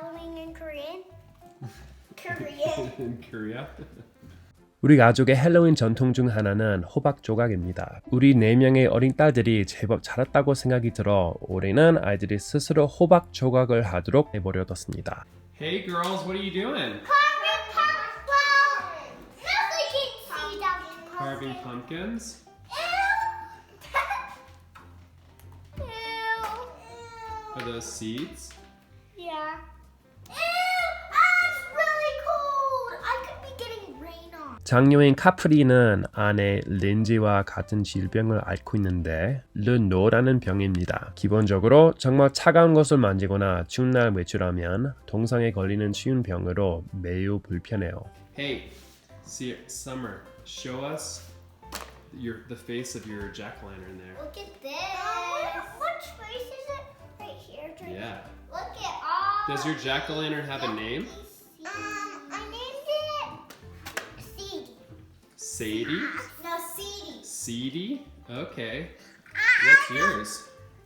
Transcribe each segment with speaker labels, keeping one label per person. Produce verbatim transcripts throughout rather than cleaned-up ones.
Speaker 1: Halloween in Korean? Korean.
Speaker 2: In Korea?
Speaker 3: 우리 가족의 헬로윈 전통 중 하나는 호박 조각입니다. 우리 네 명의 어린 딸들이 제법 자랐다고 생각이 들어 올해는 아이들이 스스로 호박 조각을 하도록 내버려뒀습니다.
Speaker 2: Hey girls, what are you doing?
Speaker 1: Carving pumpkins. Well, mostly can see them.
Speaker 2: Carving pumpkins?
Speaker 1: Ew.
Speaker 2: Are those seeds?
Speaker 1: Yeah. Ew! Ah, it's really cold. I could be getting rain on.
Speaker 3: 장녀인 카프리는 아내 린지와 같은 질병을 앓고 있는데 르노라는 병입니다. 기본적으로 정말 차가운 것을 만지거나 추운 날 외출하면 동상에 걸리는 쉬운 병으로 매우 불편해요.
Speaker 2: Hey, see, Summer, show us your the face of your jack-o'-lantern there.
Speaker 1: Look at this. Uh, which face is it? Right here. Right
Speaker 2: Yeah.
Speaker 1: Look at all.
Speaker 2: Does your jack-o'-lantern have a name?
Speaker 1: Um, I named it Seedy.
Speaker 2: Sadie?
Speaker 1: No, Seedy.
Speaker 2: Seedy? Okay. What's yours?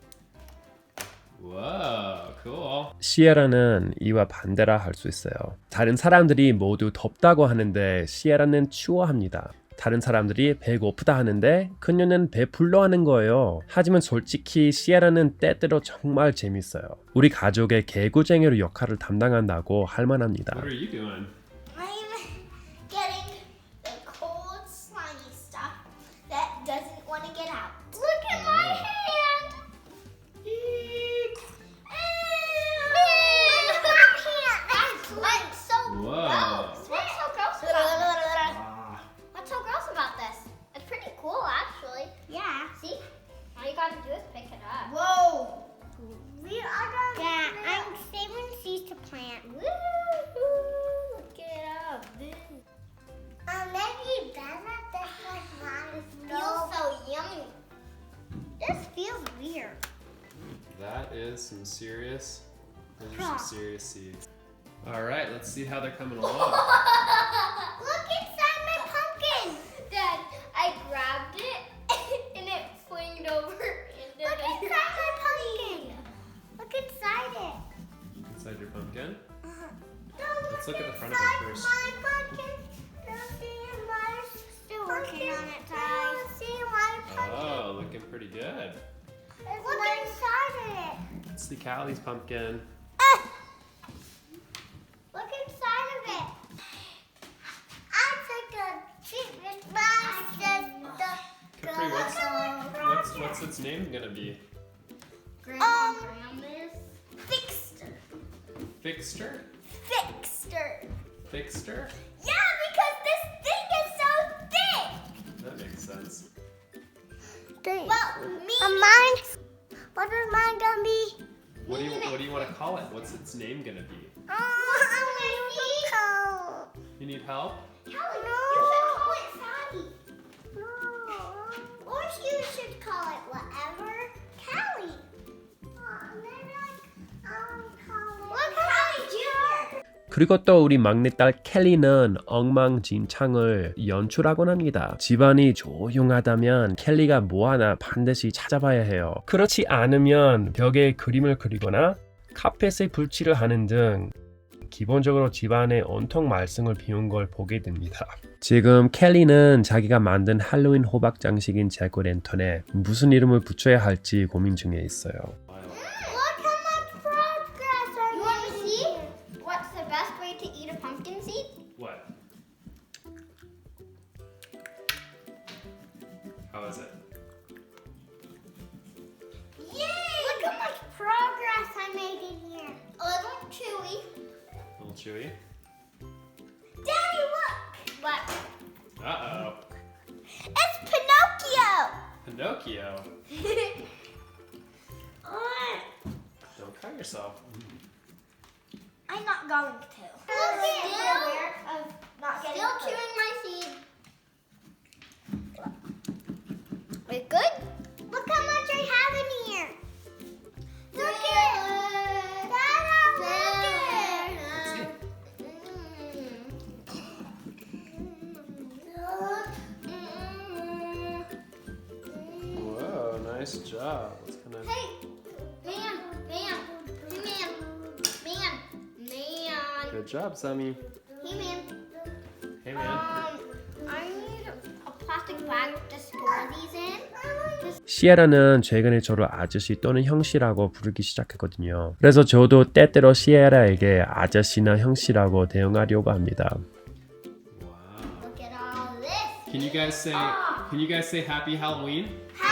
Speaker 2: Whoa, cool.
Speaker 3: 시에라는 이와 반대라 할 수 있어요. 다른 사람들이 모두 덥다고 하는데 시에라는 추워합니다. 다른 사람들이 배고프다 하는데 그녀는 배불러 하는 거예요. 하지만 솔직히 시에라는 때때로 정말 재밌어요. 우리 가족의 개구쟁이로 역할을 담당한다고 할 만합니다.
Speaker 2: What are you doing?
Speaker 1: I'm getting the cold, slimy stuff that doesn't want to get out. Look at my hand. Eek. Ew. My hand. That's, that's so
Speaker 2: Whoa.
Speaker 1: gross. What's so gross about this?
Speaker 2: Ah,
Speaker 1: What's so gross about this? It's pretty cool, actually. Yeah. See? All you gotta do is pick it up. Whoa. We are gonna. Yeah, I'm saving seeds to plant. Woo! Get up, dude. Um, maybe better this was not as feels so yummy. This feels weird.
Speaker 2: that is some serious. Those are
Speaker 1: Huh.
Speaker 2: some serious seeds. All right, let's see how they're coming along.
Speaker 1: Look inside my pumpkin. Dad, I grabbed it and it flinged over. Look inside my pumpkin. Look inside it.
Speaker 2: Inside your pumpkin.
Speaker 1: Don't
Speaker 2: Let's look at the front of it
Speaker 1: inside
Speaker 2: first.
Speaker 1: My pumpkin. Don't see my Still working on it, Ty. Don't see my pumpkin.
Speaker 2: Oh, looking pretty good.
Speaker 1: Look inside it.
Speaker 2: Let's see Callie's pumpkin.
Speaker 1: Look inside of it. I took a treatment box and the
Speaker 2: Capri, what's what's what's its name gonna be?
Speaker 1: um Fixter.
Speaker 2: Fixter?
Speaker 1: Fixter.
Speaker 2: Fixter?
Speaker 1: Yeah, because this thing is so thick.
Speaker 2: That makes sense.
Speaker 1: Well, me. Uh, mine. What is mine gonna be?
Speaker 2: What do you what do you want to call it? What's its name gonna be?
Speaker 1: Oh, I'm gonna
Speaker 2: You need help?
Speaker 1: Kelly, no. You should call it Sadie. No. Or you should call it whatever. Kelly. Oh, maybe like, um, call it. Well, Kelly Junior.
Speaker 3: 그리고 또 우리 막내딸 켈리는 엉망진창을 연출하곤 합니다. 집안이 조용하다면 켈리가 뭐 하나 반드시 찾아봐야 해요. 그렇지 않으면 벽에 그림을 그리거나 카펫에 불칠을 하는 등 기본적으로 집안에 온통 말썽을 피운 걸 보게 됩니다. 지금 켈리는 자기가 만든 할로윈 호박 장식인 잭오랜턴에 무슨 이름을 붙여야 할지 고민 중에 있어요.
Speaker 1: Look how much progress I You want to see what's the best way to eat a pumpkin seed?
Speaker 2: What? How is it?
Speaker 1: Yay! Look how much progress I made in here. A little chewy.
Speaker 2: A little chewy?
Speaker 1: Daddy, look! What?
Speaker 2: Uh-oh.
Speaker 1: It's Pinocchio!
Speaker 2: Pinocchio.
Speaker 1: Oh,
Speaker 2: Don't cut yourself.
Speaker 1: I'm not going to. Look at aware of not getting Still chewing my seed. Wait, good? Look how much I have in here. Look it. Dada, look it.
Speaker 2: Whoa, nice job. What's gonna
Speaker 1: Hey, man, man, man, man,
Speaker 2: Good job, Sammy.
Speaker 1: Hey man.
Speaker 2: Hey man.
Speaker 1: Um, I need a plastic bag to store these in.
Speaker 3: 시에라는 최근에 저를 아저씨 또는 형씨라고 부르기 시작했거든요. 그래서 저도 때때로 시에라에게 아저씨나 형씨라고 대응하려고 합니다.
Speaker 2: Wow.
Speaker 1: Look at all this.
Speaker 2: Can you guys say? Can you guys say Happy Halloween?
Speaker 1: Happy